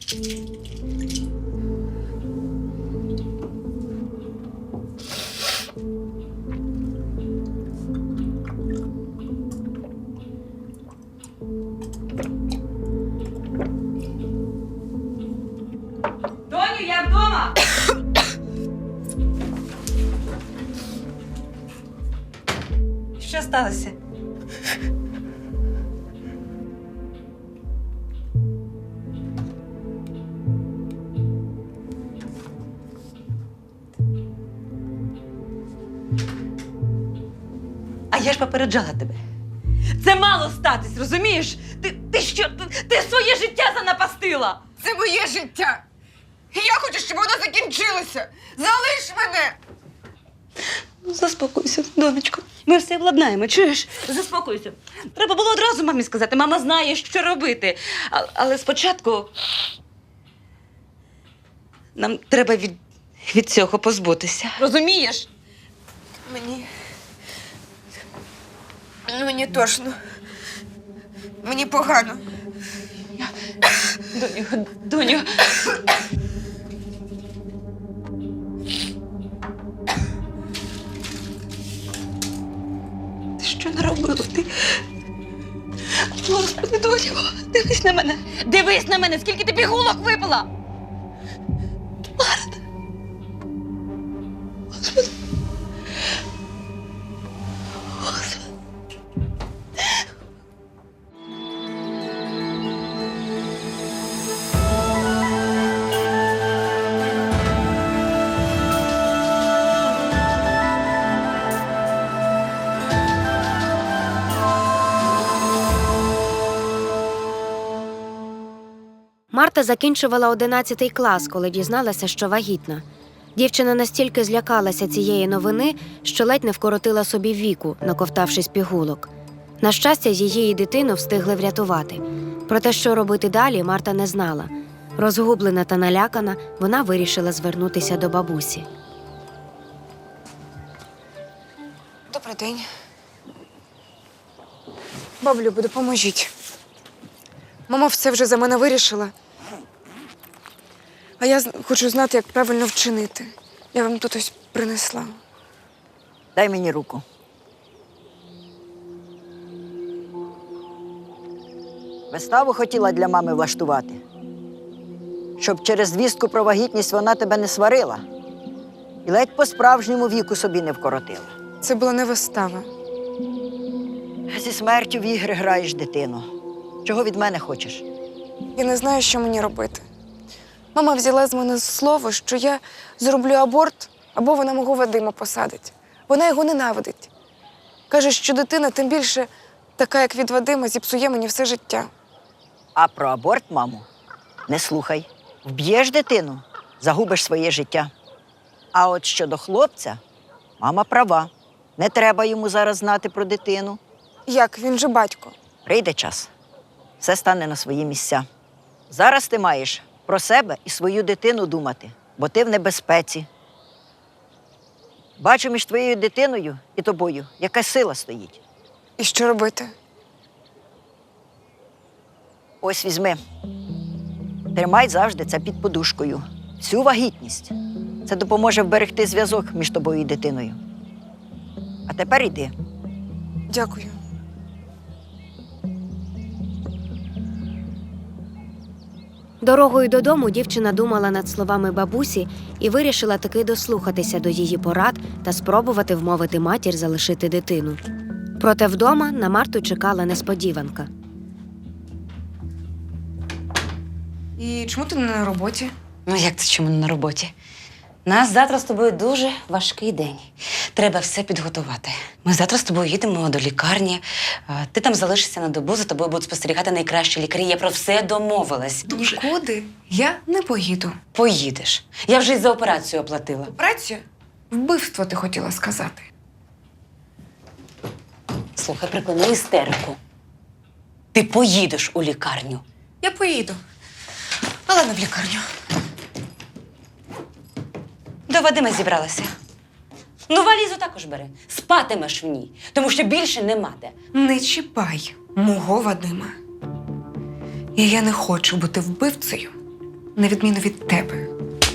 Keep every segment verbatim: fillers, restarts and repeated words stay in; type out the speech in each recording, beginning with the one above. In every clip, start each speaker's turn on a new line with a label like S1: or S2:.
S1: Доню, я вдома! Що сталося? А я ж попереджала тебе. Це мало статись, розумієш? Ти, ти що? Ти, ти своє життя занапастила!
S2: Це моє життя. І я хочу, щоб воно закінчилося. Залиш мене!
S1: Заспокойся, донечко. Ми все владнаємо, чуєш? Заспокойся. Треба було одразу мамі сказати. Мама знає, що робити. А, але спочатку нам треба від, від цього позбутися. Розумієш?
S2: Мені. Мені тошно. Мені погано.
S1: Доню, доню. Ти що наробила? Ти... Господи, доню, дивись на мене. Дивись на мене, скільки ти пігулок випила. Марта. Господи. Господи.
S3: Марта закінчувала одинадцятий клас, коли дізналася, що вагітна. Дівчина настільки злякалася цієї новини, що ледь не вкоротила собі віку, наковтавшись пігулок. На щастя, її і дитину встигли врятувати. Проте, що робити далі, Марта не знала. Розгублена та налякана, вона вирішила звернутися до бабусі.
S2: Добрий день. Баблюбо, допоможіть. Мама все вже за мене вирішила. А я хочу знати, як правильно вчинити. Я вам тут ось принесла.
S4: Дай мені руку. Виставу хотіла для мами влаштувати. Щоб через звістку про вагітність вона тебе не сварила. І ледь по-справжньому віку собі не вкоротила.
S2: Це була не вистава.
S4: Зі смертю в ігри граєш, дитино. Чого від мене хочеш?
S2: Я не знаю, що мені робити. Мама взяла з мене слово, що я зроблю аборт, або вона мого Вадима посадить. Вона його ненавидить. Каже, що дитина, тим більше така, як від Вадима, зіпсує мені все життя.
S4: А про аборт, маму, не слухай. Вб'єш дитину, загубиш своє життя. А от щодо хлопця, мама права. Не треба йому зараз знати про дитину.
S2: Як? Він же батько.
S4: Прийде час. Все стане на свої місця. Зараз ти маєш про себе і свою дитину думати, бо ти в небезпеці. Бачу між твоєю дитиною і тобою, яка сила стоїть.
S2: І що робити?
S4: Ось візьми. Тримай завжди це під подушкою. Всю вагітність. Це допоможе вберегти зв'язок між тобою і дитиною. А тепер йди.
S2: Дякую.
S3: Дорогою додому дівчина думала над словами бабусі і вирішила таки дослухатися до її порад та спробувати вмовити матір залишити дитину. Проте вдома на Марту чекала несподіванка.
S2: І чому ти не на роботі?
S1: Ну як це чому не на роботі? У нас завтра з тобою дуже важкий день. Треба все підготувати. Ми завтра з тобою їдемо до лікарні. А, Ти там залишишся на добу, за тобою будуть спостерігати найкращі лікарі. Я про все домовилась. Дуже.
S2: Нікуди я не поїду.
S1: Поїдеш. Я вже й за операцію оплатила.
S2: Операцію? Вбивство, ти хотіла сказати.
S1: Слухай, припини істерику. Ти поїдеш у лікарню.
S2: Я поїду, але не в лікарню.
S1: До Вадима зібралася. Ну, валізу також бери. Спатимеш в ній, тому що більше нема де.
S2: Не чіпай мого Вадима. І я не хочу бути вбивцею на відміну від тебе.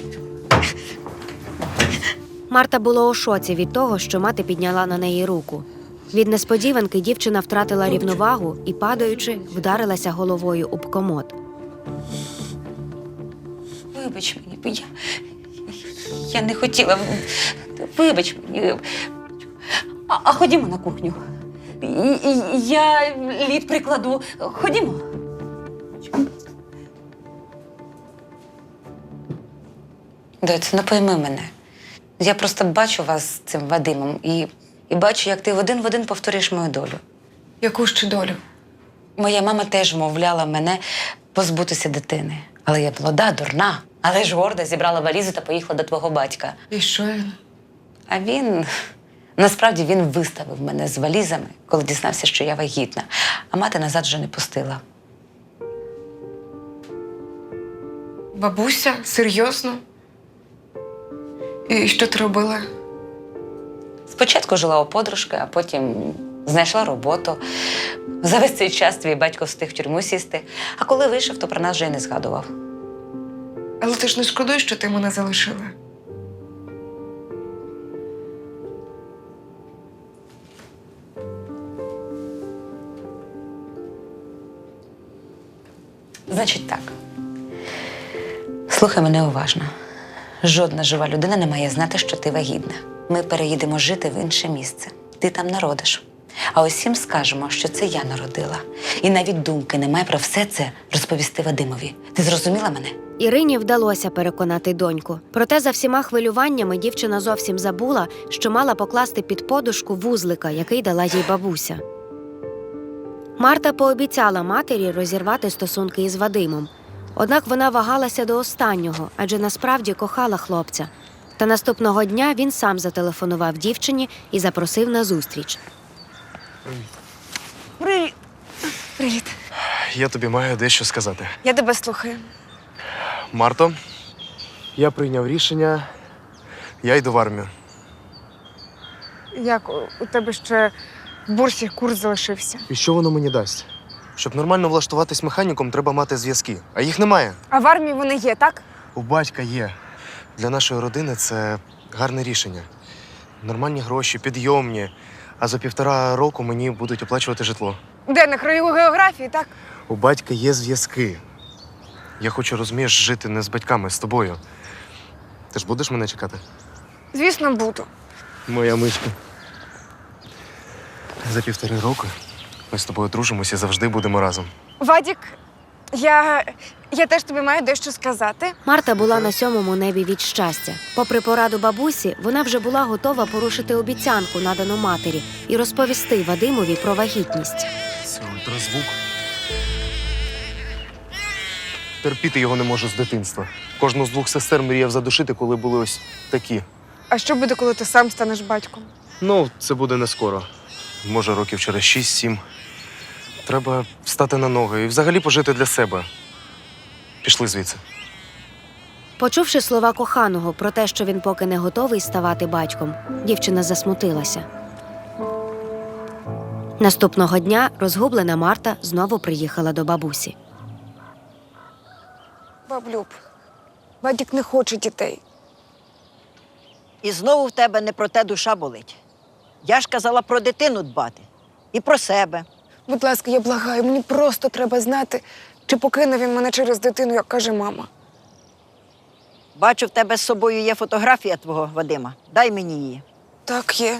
S3: Марта була у шоці від того, що мати підняла на неї руку. Від несподіванки дівчина втратила рівновагу і, падаючи, вдарилася головою об комод.
S1: Вибач мені, бо я, я не хотіла. Вибач мені. А, а ходімо на кухню. І- і- Я лід прикладу. Ходімо. Доць, не пойми мене. Я просто бачу вас з цим Вадимом і, і бачу, як ти в один в один повторюєш мою долю.
S2: Яку ще долю?
S1: Моя мама теж вмовляла мене позбутися дитини. Але я молода, дурна, але ж горда зібрала валізу та поїхала до твого батька.
S2: І що він?
S1: А він, насправді, він виставив мене з валізами, коли дізнався, що я вагітна. А мати назад вже не пустила.
S2: Бабуся? Серйозно? І що ти робила?
S1: Спочатку жила у подружки, а потім знайшла роботу. За весь цей час твій батько встиг в тюрму сісти. А коли вийшов, то про нас вже й не згадував.
S2: Але ти ж не шкодуєш, що ти мене залишила?
S1: Значить так. Слухай мене уважно. Жодна жива людина не має знати, що ти вагітна. Ми переїдемо жити в інше місце. Ти там народиш. А усім скажемо, що це я народила. І навіть думки немає про все це розповісти Вадимові. Ти зрозуміла мене?
S3: Ірині вдалося переконати доньку. Проте за всіма хвилюваннями дівчина зовсім забула, що мала покласти під подушку вузлика, який дала їй бабуся. Марта пообіцяла матері розірвати стосунки із Вадимом. Однак вона вагалася до останнього, адже насправді кохала хлопця. Та наступного дня він сам зателефонував дівчині і запросив на зустріч.
S4: Привіт.
S2: Привіт.
S5: Я тобі маю дещо сказати.
S2: Я тебе слухаю.
S5: Марто, я прийняв рішення, я йду в армію.
S2: Як у тебе ще в бурсі курс залишився?
S5: І що воно мені дасть? Щоб нормально влаштуватись механіком, треба мати зв'язки. А їх немає.
S2: А в армії вони є, так?
S5: У батька є. Для нашої родини це гарне рішення. Нормальні гроші, підйомні. А за півтора року мені будуть оплачувати житло.
S2: Де, на краю географії, так?
S5: У батька є зв'язки. Я хочу, розумієш, жити не з батьками, з тобою. Ти ж будеш мене чекати?
S2: Звісно, буду.
S5: Моя мишка. За півтори роки ми з тобою дружимося і завжди будемо разом.
S2: Вадік, я, я теж тобі маю дещо сказати.
S3: Марта була на сьомому небі від щастя. Попри пораду бабусі, вона вже була готова порушити обіцянку, надану матері, і розповісти Вадимові про вагітність.
S5: Це ультразвук. Терпіти його не можу з дитинства. Кожну з двох сестер мріяв задушити, коли були ось такі.
S2: А що буде, коли ти сам станеш батьком?
S5: Ну, це буде не скоро. Може, років через шість-сім. Треба встати на ноги і взагалі пожити для себе. Пішли звідси.
S3: Почувши слова коханого про те, що він поки не готовий ставати батьком, дівчина засмутилася. Наступного дня розгублена Марта знову приїхала до бабусі.
S2: Баблюб, Вадік не хоче дітей.
S4: І знову в тебе не про те душа болить. Я ж казала про дитину дбати. І про себе.
S2: Будь ласка, я благаю, мені просто треба знати, чи покине він мене через дитину, як каже мама.
S4: Бачу, в тебе з собою є фотографія твого Вадима. Дай мені її.
S2: Так, є.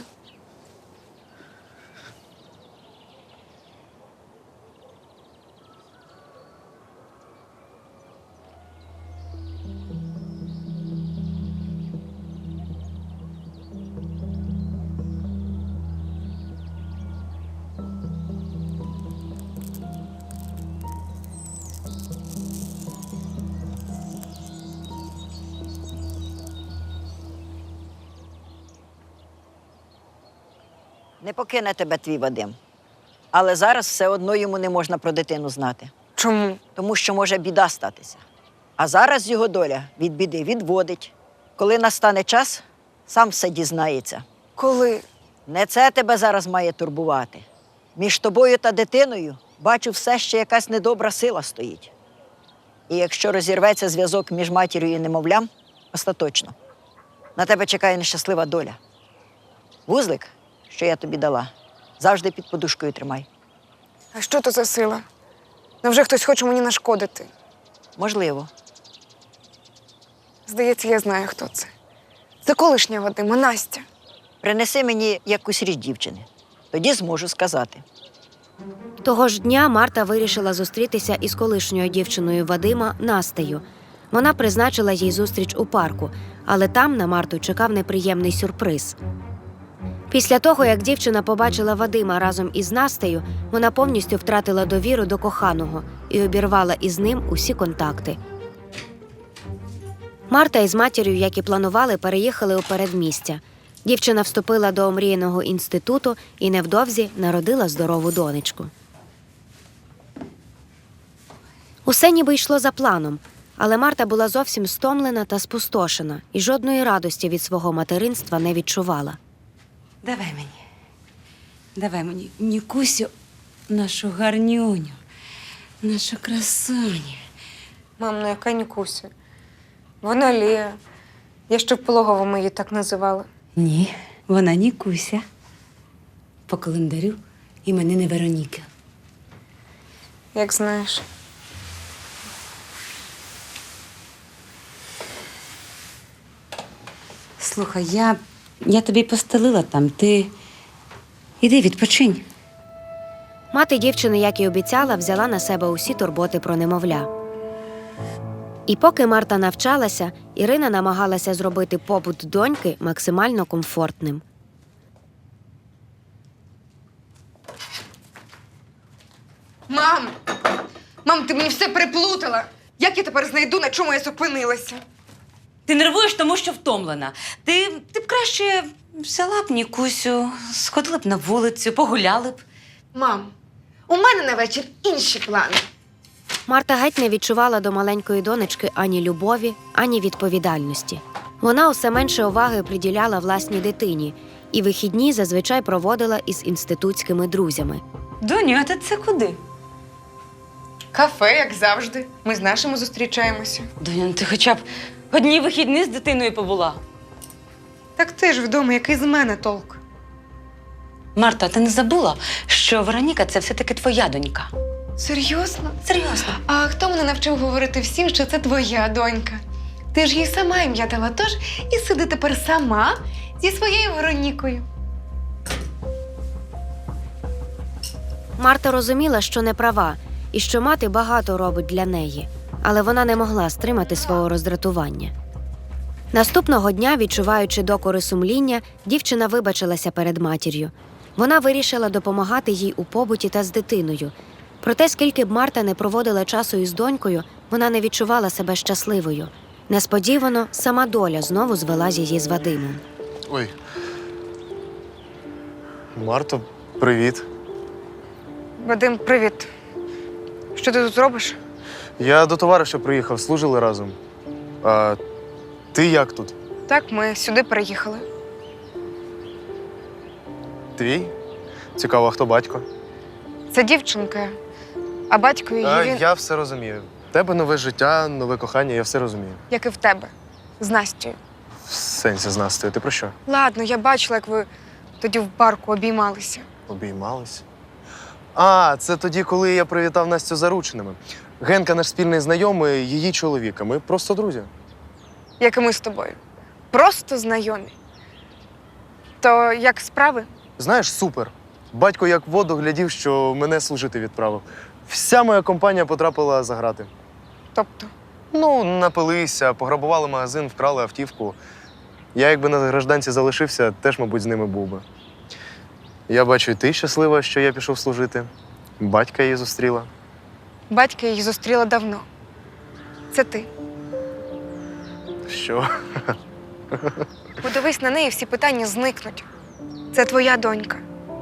S4: Не покине тебе твій Вадим. Але зараз все одно йому не можна про дитину знати.
S2: Чому?
S4: Тому що може біда статися. А зараз його доля від біди відводить. Коли настане час, сам все дізнається.
S2: Коли?
S4: Не це тебе зараз має турбувати. Між тобою та дитиною бачу все, ще якась недобра сила стоїть. І якщо розірветься зв'язок між матір'ю і немовлям, остаточно, на тебе чекає нещаслива доля. Вузлик, що я тобі дала, завжди під подушкою тримай.
S2: А що то за сила? Невже хтось хоче мені нашкодити?
S4: Можливо.
S2: Здається, я знаю, хто це. Це колишня Вадима, Настя.
S4: Принеси мені якусь річ дівчини. Тоді зможу сказати.
S3: Того ж дня Марта вирішила зустрітися із колишньою дівчиною Вадима Настею. Вона призначила їй зустріч у парку, але там на Марту чекав неприємний сюрприз. Після того, як дівчина побачила Вадима разом із Настею, вона повністю втратила довіру до коханого і обірвала із ним усі контакти. Марта із матір'ю, як і планували, переїхали у передмістя. Дівчина вступила до омріяного інституту і невдовзі народила здорову донечку. Усе ніби йшло за планом, але Марта була зовсім стомлена та спустошена і жодної радості від свого материнства не відчувала.
S1: Давай мені. Давай мені, Нікусю, нашу гарнюню, нашу красуню.
S2: Мам, ну яка Нікуся? Вона Лія. Я ще в пологовому її так називала.
S1: Ні, вона Нікуся. По календарю іменини Вероніки.
S2: Як знаєш.
S1: Слухай, я, я тобі постелила там, ти іди відпочинь.
S3: Мати дівчини, як і обіцяла, взяла на себе усі турботи про немовля. І поки Марта навчалася, Ірина намагалася зробити побут доньки максимально комфортним.
S2: Мам! Мам, ти мені все переплутала! Як я тепер знайду, на чому я зупинилася?
S1: Ти нервуєш, тому що втомлена. Ти, ти б краще взяла б Нікусю, сходила б на вулицю, погуляли б.
S2: Мам, у мене на вечір інші плани.
S3: Марта геть не відчувала до маленької донечки ані любові, ані відповідальності. Вона усе менше уваги приділяла власній дитині і вихідні зазвичай проводила із інститутськими друзями.
S1: Доню, а ти це куди?
S2: Кафе, як завжди. Ми з нашими зустрічаємося.
S1: Доню, ну ти хоча б одні вихідні з дитиною побула.
S2: Так ти ж вдома, який з мене толк?
S1: Марта, ти не забула, що Вероніка – це все-таки твоя донька?
S2: Серйозно?
S1: Серйозно.
S2: А хто мене навчив говорити всім, що це твоя донька? Ти ж їй сама ім'я дала, тож і сиди тепер сама зі своєю Веронікою.
S3: Марта розуміла, що не права, і що мати багато робить для неї, але вона не могла стримати свого роздратування. Наступного дня, відчуваючи докори сумління, дівчина вибачилася перед матір'ю. Вона вирішила допомагати їй у побуті та з дитиною. Проте, скільки б Марта не проводила часу із донькою, вона не відчувала себе щасливою. Несподівано сама доля знову звела її з Вадимом.
S5: Ой. Марто, привіт.
S2: Вадим, привіт. Що ти тут робиш?
S5: Я до товариша приїхав, служили разом. А ти як тут?
S2: Так, ми сюди приїхали.
S5: Твій? Цікаво, а хто батько?
S2: Це дівчинка, а батько її,
S5: А,
S2: він,
S5: я все розумію. В тебе нове життя, нове кохання, я все розумію.
S2: як і в тебе, з Настю.
S5: В сенсі з Настею. Ти про що?
S2: Ладно, я бачила, як ви тоді в парку обіймалися.
S5: Обіймались? А, це тоді, коли я привітав Настю зарученими. Генка, наш спільний знайомий, її чоловіка. Ми просто друзі.
S2: Як і ми з тобою. Просто знайомі. То як справи?
S5: Знаєш, супер. Батько як в воду глядів, що мене служити відправив. Вся моя компанія потрапила за грати.
S2: Тобто,
S5: Ну, напилися, пограбували магазин, вкрали автівку. Я, якби на гражданці залишився, теж, мабуть, з ними був би. Я бачу, і ти щаслива, що я пішов служити. Батька її зустріла.
S2: батька її зустріла давно. Це ти.
S5: Що?
S2: Подивись на неї, всі питання зникнуть. Це твоя донька.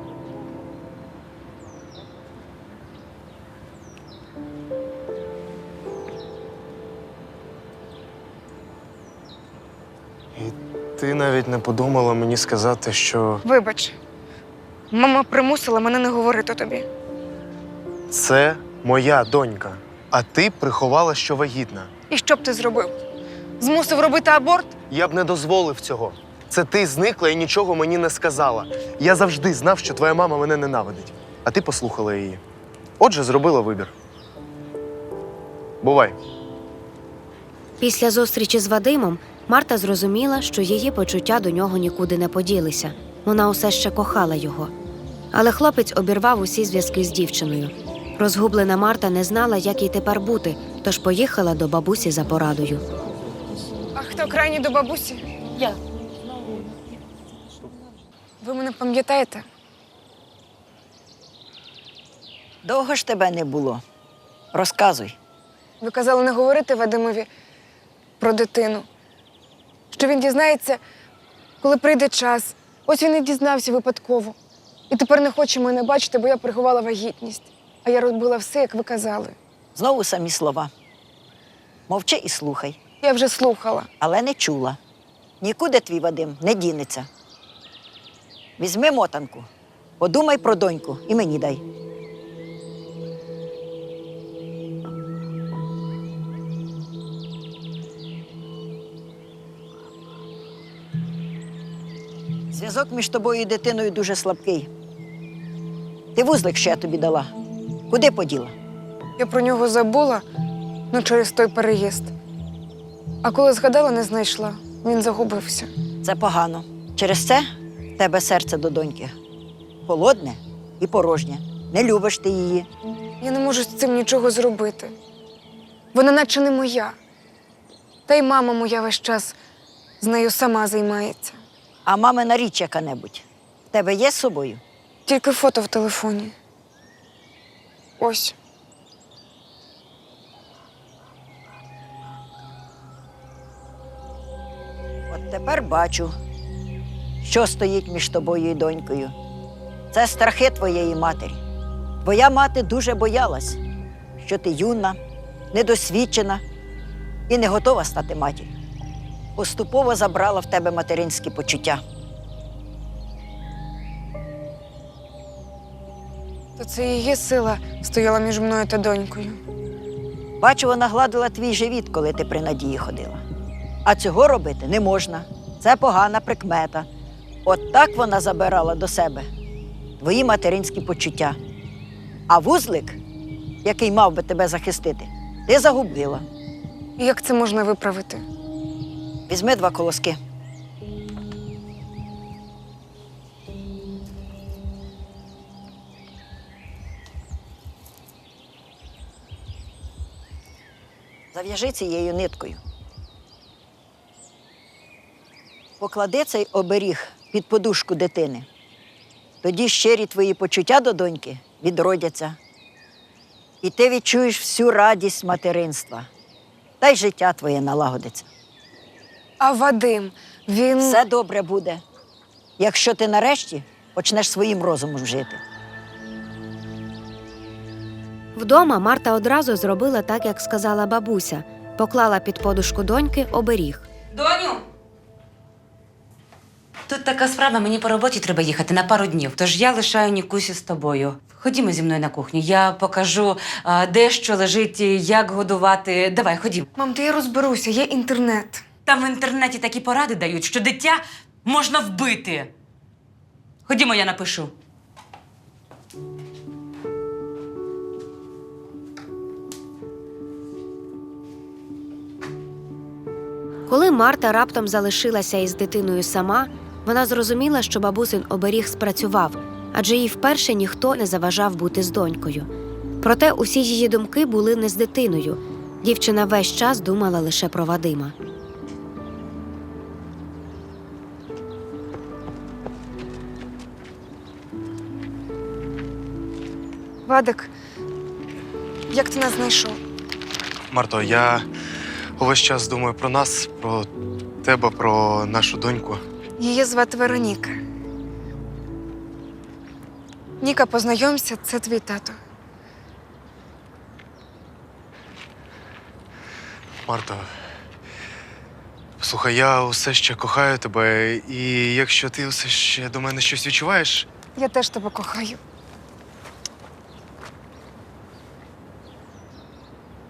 S5: І ти навіть не подумала мені сказати, що
S2: Вибач, мама примусила мене не говорити тобі.
S5: це моя донька. А ти приховала, що вагітна.
S2: І що б ти зробив? Змусив робити аборт?
S5: Я б не дозволив цього. Це ти зникла і нічого мені не сказала. Я завжди знав, що твоя мама мене ненавидить. А ти послухала її. Отже, зробила вибір. Бувай.
S3: Після зустрічі з Вадимом Марта зрозуміла, що її почуття до нього нікуди не поділися. Вона усе ще кохала його. Але хлопець обірвав усі зв'язки з дівчиною. Розгублена Марта не знала, як їй тепер бути, тож поїхала до бабусі за порадою.
S2: А хто крайній до бабусі?
S1: Я.
S2: Ви мене пам'ятаєте?
S4: Довго ж тебе не було. Розказуй.
S2: Ви казали не говорити Вадимові про дитину. Що він дізнається, коли прийде час. Ось він і дізнався випадково. І тепер не хоче мене бачити, бо я приховала вагітність. А я робила все, як ви казали.
S4: Знову самі слова. Мовчи і слухай.
S2: Я вже слухала.
S4: Але не чула. Нікуди твій Вадим не дінеться. Візьми мотанку, подумай про доньку і мені дай. Зв'язок між тобою і дитиною дуже слабкий. Ти вузлик, що я тобі дала. Куди поділа?
S2: Я про нього забула, ну через той переїзд. А коли згадала, не знайшла. Він загубився.
S4: Це погано. Через це в тебе серце до доньки. Холодне і порожнє. Не любиш ти її.
S2: Я не можу з цим нічого зробити. Вона наче не моя. Та й мама моя весь час з нею сама займається.
S4: А мамина річ яка-небудь в тебе є з собою?
S2: Тільки фото в телефоні. Ось.
S4: От тепер бачу, що стоїть між тобою і донькою. Це страхи твоєї матері. Твоя мати дуже боялась, що ти юна, недосвідчена і не готова стати матір'ю. Поступово забрала в тебе материнські почуття.
S2: То це її сила стояла між мною та донькою.
S4: Бачу, вона гладила твій живіт, коли ти при Надії ходила. А цього робити не можна. Це погана прикмета. От так вона забирала до себе твої материнські почуття. А вузлик, який мав би тебе захистити, ти загубила.
S2: І як це можна виправити?
S4: Візьми два колоски. Зав'яжи цією ниткою. Поклади цей оберіг під подушку дитини. Тоді щирі твої почуття до доньки відродяться. І ти відчуєш всю радість материнства. Та й життя твоє налагодиться.
S2: А Вадим, він…
S4: Все добре буде, якщо ти нарешті почнеш своїм розумом жити.
S3: Вдома Марта одразу зробила так, як сказала бабуся. Поклала під подушку доньки оберіг.
S1: Доню! Тут така справа, мені по роботі треба їхати на пару днів, тож я лишаю Нікусю з тобою. Ходімо зі мною на кухню, я покажу, а, де що лежить, як годувати. Давай, ходімо.
S2: Мам, та я розберуся, є інтернет.
S1: Там в інтернеті такі поради дають, що дитя можна вбити. Ходімо, я напишу.
S3: Коли Марта раптом залишилася із дитиною сама, вона зрозуміла, що бабусин оберіг спрацював, адже їй вперше ніхто не заважав бути з донькою. Проте усі її думки були не з дитиною. Дівчина весь час думала лише про Вадима.
S2: Вадик, як ти нас знайшов?
S5: Марто, я увесь час думаю про нас, про тебе, про нашу доньку.
S2: Її звати Вероніка. Ніка, познайомся, це твій тато.
S5: Марто, слухай, я усе ще кохаю тебе, і якщо ти усе ще до мене щось відчуваєш,
S2: Я теж тебе кохаю.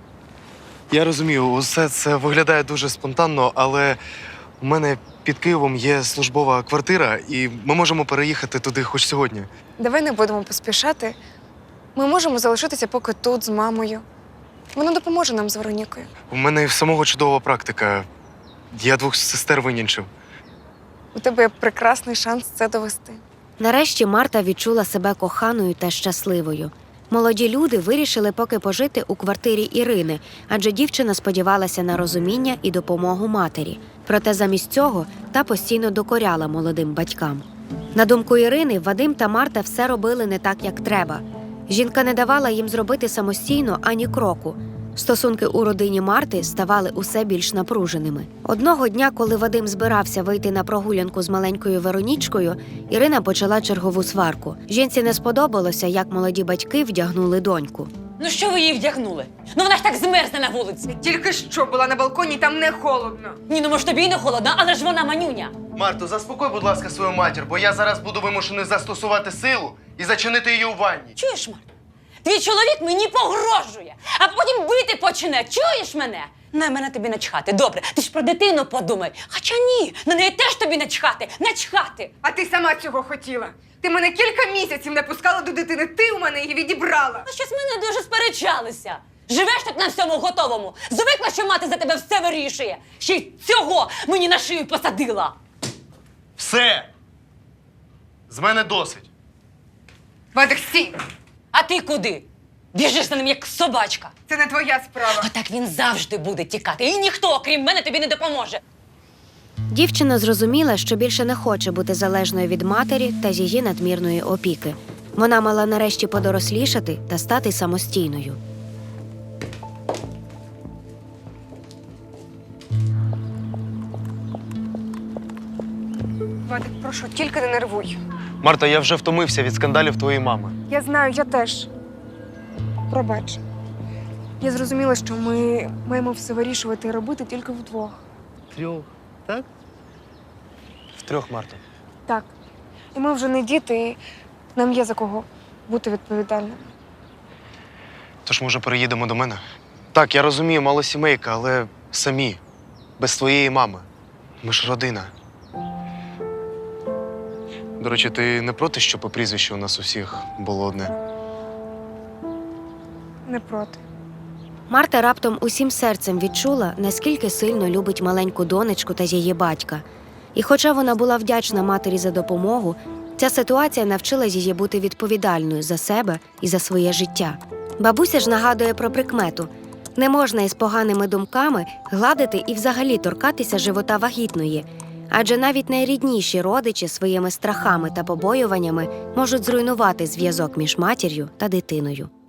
S5: Я розумію, усе це виглядає дуже спонтанно, але у мене під Києвом є службова квартира, і ми можемо переїхати туди хоч сьогодні.
S2: Давай не будемо поспішати. Ми можемо залишитися поки тут з мамою. Вона допоможе нам з Веронікою.
S5: У мене і в самого чудова практика. Я двох сестер винянчив.
S2: У тебе є прекрасний шанс це довести.
S3: Нарешті Марта відчула себе коханою та щасливою. Молоді люди вирішили поки пожити у квартирі Ірини, адже дівчина сподівалася на розуміння і допомогу матері. Проте замість цього та постійно докоряла молодим батькам. На думку Ірини, Вадим та Марта все робили не так, як треба. Жінка не давала їм зробити самостійно ані кроку. Стосунки у родині Марти ставали усе більш напруженими. Одного дня, коли Вадим збирався вийти на прогулянку з маленькою Веронічкою, Ірина почала чергову сварку. Жінці не сподобалося, як молоді батьки вдягнули доньку.
S1: Ну що ви її вдягнули? Ну вона ж так змерзне на вулиці.
S2: Тільки що була на балконі, там не холодно.
S1: Ні, ну може тобі й не холодно, але ж вона манюня.
S5: Марто, заспокой, будь ласка, свою матір, бо я зараз буду вимушений застосувати силу і зачинити її у ванні.
S1: Чуєш, Марта? Твій чоловік мені погрожує, а потім бити почне. Чуєш мене? На мене тобі начхати. Добре, ти ж про дитину подумай. Хоча ні, на неї теж тобі начхати. Начхати.
S2: А ти сама цього хотіла. Ти мене кілька місяців не пускала до дитини, ти у мене її відібрала.
S1: Ну щось ми не дуже сперечалися. Живеш тут на всьому готовому. Звикла, що мати за тебе все вирішує. Ще й цього мені на шию посадила.
S5: Все! З мене досить.
S2: Вадик, стій!
S1: А ти куди? Біжиш за ним, як собачка.
S2: Це не твоя справа.
S1: А так він завжди буде тікати. І ніхто, крім мене, тобі не допоможе.
S3: Дівчина зрозуміла, що більше не хоче бути залежною від матері та її надмірної опіки. Вона мала нарешті подорослішати та стати самостійною.
S2: Вадик, прошу, тільки не нервуй.
S5: Марта, я вже втомився від скандалів твоєї мами.
S2: Я знаю, я теж. Пробач. Я зрозуміла, що ми маємо все вирішувати і робити тільки вдвох.
S5: Трьох, так? Втрьох, Марта.
S2: Так. І ми вже не діти, і нам є за кого бути відповідальними.
S5: Тож, може, переїдемо до мене? Так, я розумію, мало сімейка, але самі, без твоєї мами. Ми ж родина. До речі, ти не проти, що по прізвищу у нас усіх було одне?
S2: Не проти.
S3: Марта раптом усім серцем відчула, наскільки сильно любить маленьку донечку та її батька. І хоча вона була вдячна матері за допомогу, ця ситуація навчила її бути відповідальною за себе і за своє життя. Бабуся ж нагадує про прикмету – не можна із поганими думками гладити і взагалі торкатися живота вагітної, адже навіть найрідніші родичі своїми страхами та побоюваннями можуть зруйнувати зв'язок між матір'ю та дитиною.